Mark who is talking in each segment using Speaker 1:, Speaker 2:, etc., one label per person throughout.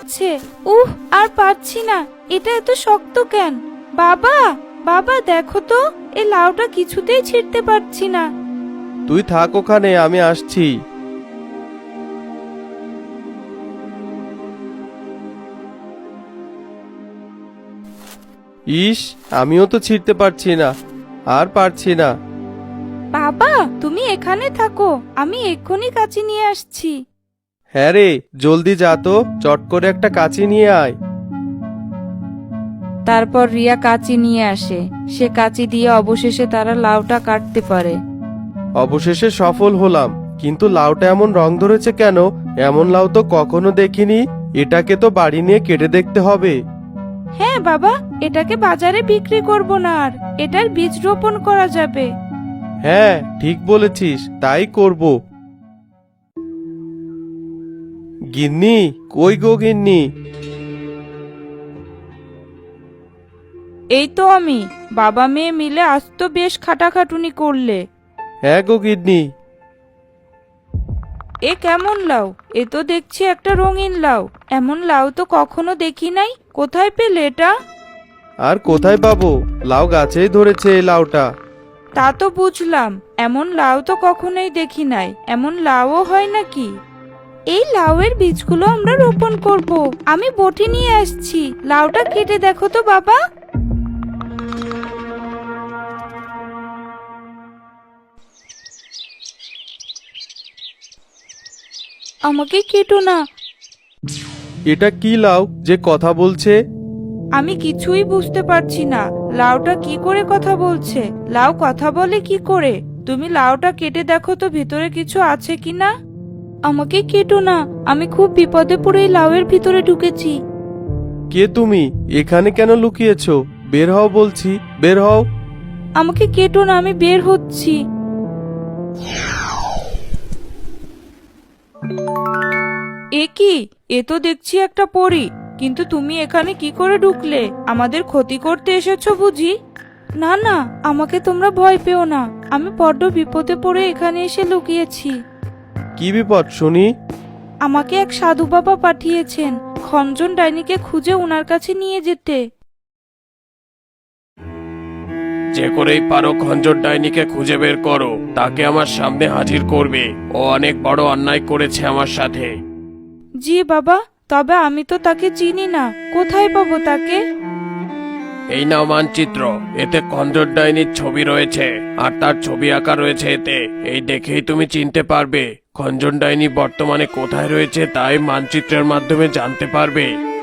Speaker 1: যাচ্ছে। আর পারছি না, এটা এত শক্ত কেন? বাবা, বাবা দেখো তো, এই লাউটা কিছুতেই ছিঁড়তে পারছি না।
Speaker 2: তুই থাক ওখানে, আমি আসছি। ইস, আমিও তো ছিঁড়তে পারছি না, আর পারছি না।
Speaker 1: বাবা তুমি এখানে থাকো, আমি এক্ষুনি কাঁচি নিয়ে আসছি।
Speaker 2: হ্যাঁ রে, জলদি যা তো, চট করে একটা কাঁচি নিয়ে আয়।
Speaker 1: তারপর রিয়া কাঁচি নিয়ে আসে। সে কাঁচি দিয়ে অবশেষে তারা লাউটা কাটতে পারে।
Speaker 2: অবশেষে সফল হলাম, কিন্তু লাউটা এমন রং ধরেছে কেন? এমন লাউ তো কখনো দেখিনি। এটাকে তো বাড়ি নিয়ে কেটে দেখতে হবে।
Speaker 1: হ্যাঁ বাবা, এটাকে বাজারে বিক্রি করব না, আর এটার বীজ রোপণ করা যাবে।
Speaker 2: হ্যাঁ, ঠিক বলেছিস, তাই করব। গিন্নি, কই গো গিন্নি?
Speaker 1: এই তো আমি। বাবা মেয়ে মিলে আজ তো বেশ খাটাখাটুনি করলে।
Speaker 2: হ্যাঁ গো গিন্নি।
Speaker 1: এ কেমন লাউ? এ তো দেখছি একটা রঙিন লাউ। এমন লাউ তো কখনো দেখি নাই। কোথায় পেলে এটা?
Speaker 2: আর কোথায় পাবো, লাউ গাছেই ধরেছে এই লাউটা।
Speaker 1: তা তো বুঝলাম, এমন লাউ তো কখনোই দেখি নাই। এমন লাউও হয় নাকি? এই লাউয়ের বীজগুলো আমরা রোপণ করব। আমি বটি নিয়ে আসছি, লাউটা কেটে দেখো তো বাবা। আমাকে কেটো না।
Speaker 2: এটা কি লাউ যে কথা বলছে?
Speaker 1: আমি কিছুই বুঝতে পারছি না, লাউটা কি করে কথা বলছে? লাউ কথা বলে কি করে? তুমি লাউটা কেটে দেখো তো ভিতরে কিছু আছে কিনা। আমাকে কেটো না, আমি খুব বিপদে পড়ে এই লাউয়ের ভিতরে ঢুকেছি।
Speaker 2: কে তুমি? এখানে কেন লুকিয়েছো? বের হও বলছি, বের হও।
Speaker 1: আমাকে কেটো না, আমি বের হচ্ছি। এ কি? এ তো দেখছি একটা পরী। কিন্তু তুমি এখানে কি করে ঢুকলে? আমাদের ক্ষতি করতে এসেছো বুঝি? না না, আমাকে তোমরা ভয় পেও না। আমি বড্ড বিপদে পড়ে এখানে এসে লুকিয়েছি।
Speaker 2: কি বিপদ শুনি?
Speaker 1: আমাকে এক সাধু বাবা পাঠিয়েছেন খঞ্জন ডাইনিকে খুঁজে ওনার কাছে নিয়ে যেতে।
Speaker 2: যে করেই পারো খঞ্জর ডাইনিকে খুঁজে বের করো, তাকে আমার সামনে হাজির করবে। ও অনেক বড় অন্যায় করেছে আমার সাথে।
Speaker 1: জি বাবা, তবে আমি তো তাকে চিনি না, কোথায় পাবো তাকে?
Speaker 2: এই নাও মানচিত্র, এতে খঞ্জর ডাইনির ছবি রয়েছে, আর তার ছবি আঁকা রয়েছে এতে। এই দেখেই তুমি চিনতে পারবে খঞ্জন ডাইনি বর্তমানে কোথায় রয়েছে, তাই মানচিত্রের মাধ্যমে জানতে পারবে।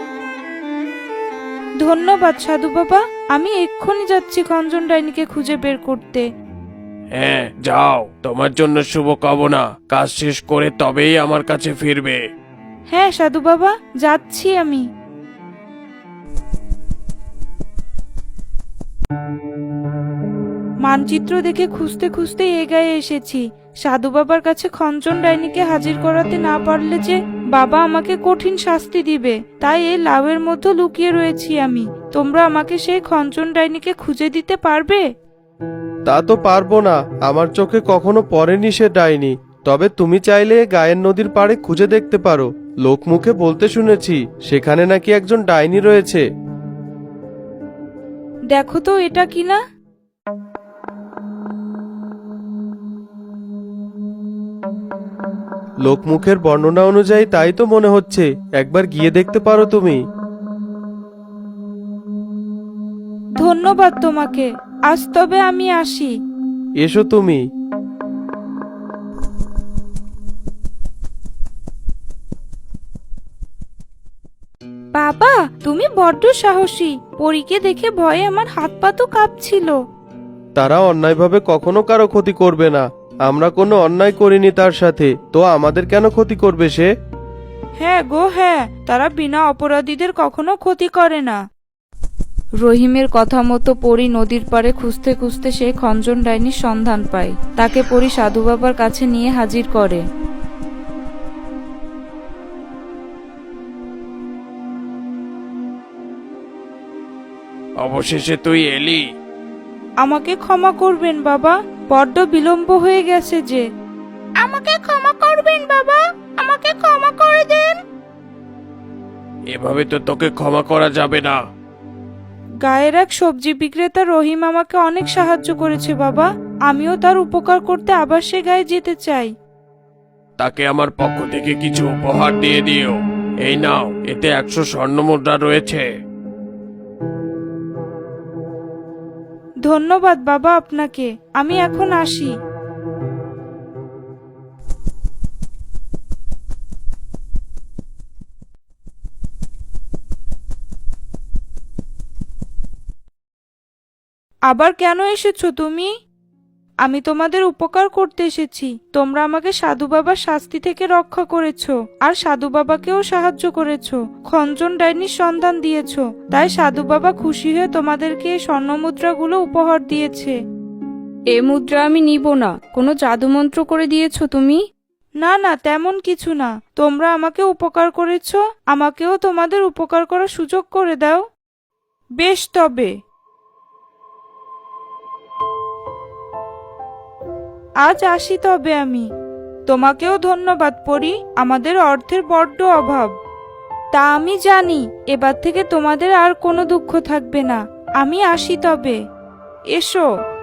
Speaker 1: ধন্যবাদ সাধু বাবা, আমি এক্ষুনি যাচ্ছি খঞ্জন ডাইনিকে খুঁজে বের করতে।
Speaker 2: হ্যাঁ যাও, তোমার জন্য শুভকামনা। কাজ শেষ করে তবেই আমার কাছে ফিরবে।
Speaker 1: হ্যাঁ সাধু বাবা, যাচ্ছি আমি। মানচিত্র দেখে খুঁজতে খুঁজতে এগিয়ে এসেছি। সাধু বাবার কাছে খঞ্জন ডাইনিকে হাজির করাতে না পারলে যে বাবা আমাকে কঠিন শাস্তি দিবে, তাই এই লাউয়ের মধ্যে লুকিয়ে রয়েছি আমি। তোমরা আমাকে সেই খঞ্জন ডাইনিকে খুঁজে দিতে পারবে?
Speaker 2: তা তো পারবো না, আমার চোখে কখনো পড়েনি সে ডাইনি। তবে তুমি চাইলে গায়ের নদীর পাড়ে খুঁজে দেখতে পারো। লোকমুখে বলতে শুনেছি সেখানে নাকি একজন ডাইনি রয়েছে।
Speaker 1: দেখো তো এটা কিনা।
Speaker 2: লোকমুখের বর্ণনা অনুযায়ী তাই তো মনে হচ্ছে, একবার গিয়ে দেখতে পারো তুমি।
Speaker 1: ধন্যবাদ তোমাকে, আজ তবে আমি আসি।
Speaker 2: এসো তুমি।
Speaker 1: বাবা তুমি বড্ড সাহসী। পরীকে দেখে ভয়ে আমার হাত পা তো কাঁপছিল।
Speaker 2: তারা অন্যায়ভাবে কখনো কারো ক্ষতি করবে না। আমরা কোনো অন্যায় করিনি তার সাথে, তো আমাদের কেন ক্ষতি করবে সে?
Speaker 1: হ্যাঁ গো হ্যাঁ, তারা বিনা অপরাধীদের কখনো ক্ষতি করে না। রহিমের কথা মতো পরী নদীর পাড়ে খুঁজতে খুঁজতে সেই খঞ্জন ডাইনির সন্ধান পায়। তাকে পরী সাধু বাবার কাছে নিয়ে হাজির করে।
Speaker 2: অবশেষে তুই এলি।
Speaker 1: আমাকে ক্ষমা করবেন বাবা, বড্ড বিলম্ব হয়ে গেছে যে। আমাকে ক্ষমা করবেন বাবা, আমাকে ক্ষমা করে দেন।
Speaker 2: এবার এভাবে তো তোকে ক্ষমা করা যাবে না।
Speaker 1: গায়ের এক সবজি বিক্রেতা রহিম আমাকে অনেক সাহায্য করেছে বাবা, আমিও তার উপকার করতে আবার সে গায়ে যেতে চাই।
Speaker 2: তাকে আমার পক্ষ থেকে কিছু উপহার দিয়ে দিও। এই নাও, এতে 100 স্বর্ণমুদ্রা রয়েছে।
Speaker 1: ধন্যবাদ বাবা আপনাকে, আমি এখন আসি। আবার কেন এসেছো তুমি? আমি তোমাদের উপকার করতে এসেছি। তোমরা আমাকে সাধু বাবার শাস্তি থেকে রক্ষা করেছো, আর সাধু বাবাকেও সাহায্য করেছো, খঞ্জন ডাইনির সন্ধান দিয়েছো। তাই সাধু বাবা খুশি হয়ে তোমাদেরকে এই স্বর্ণমুদ্রাগুলো উপহার দিয়েছে।
Speaker 3: এ মুদ্রা আমি নিব না। কোনো জাদুমন্ত্র করে দিয়েছো তুমি?
Speaker 1: না না, তেমন কিছু না। তোমরা আমাকে উপকার করেছো, আমাকেও তোমাদের উপকার করার সুযোগ করে দাও। বেশ তবে আজ আসি তবে আমি। তোমাকেও ধন্যবাদ পরি, আমাদের অর্থের বড্ড অভাব। তা আমি জানি, এবার থেকে তোমাদের আর কোনো দুঃখ থাকবে না। আমি আসি তবে। এসো।